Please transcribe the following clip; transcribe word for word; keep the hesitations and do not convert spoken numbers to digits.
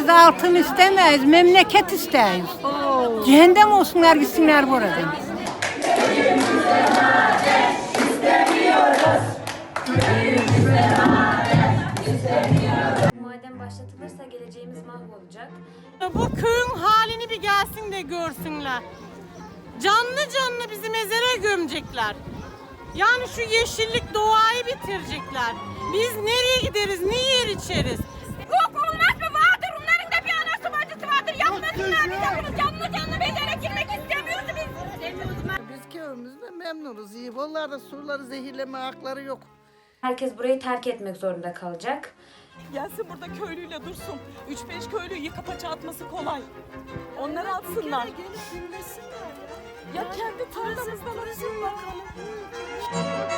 Biz altın istemeyiz, memleket isteyiz. Cehennem olsunlar gitsinler buradan. Maden başlatılırsa geleceğimiz mahvolacak. Bu köyün halini bir gelsin de görsünler. Canlı canlı bizi mezara gömecekler. Yani şu yeşillik doğayı bitirecekler. Biz nereye gideriz, ne yer içeriz? Yok olmaz mı? Vardır. Onların da bir anası bacısı vardır. Yapmasınlar bize bunu. Canlı canlı mezara girmek istemiyoruz biz. Biz köyümüzde memnunuz. İyi. Onlar da surları zehirleme hakları yok. Herkes burayı terk etmek zorunda kalacak. Gelsin burada köylüyle dursun. Üç beş köylüyü yıka paça atması kolay. Onları atsınlar. Ya kendi tarlamızdan atsınlar.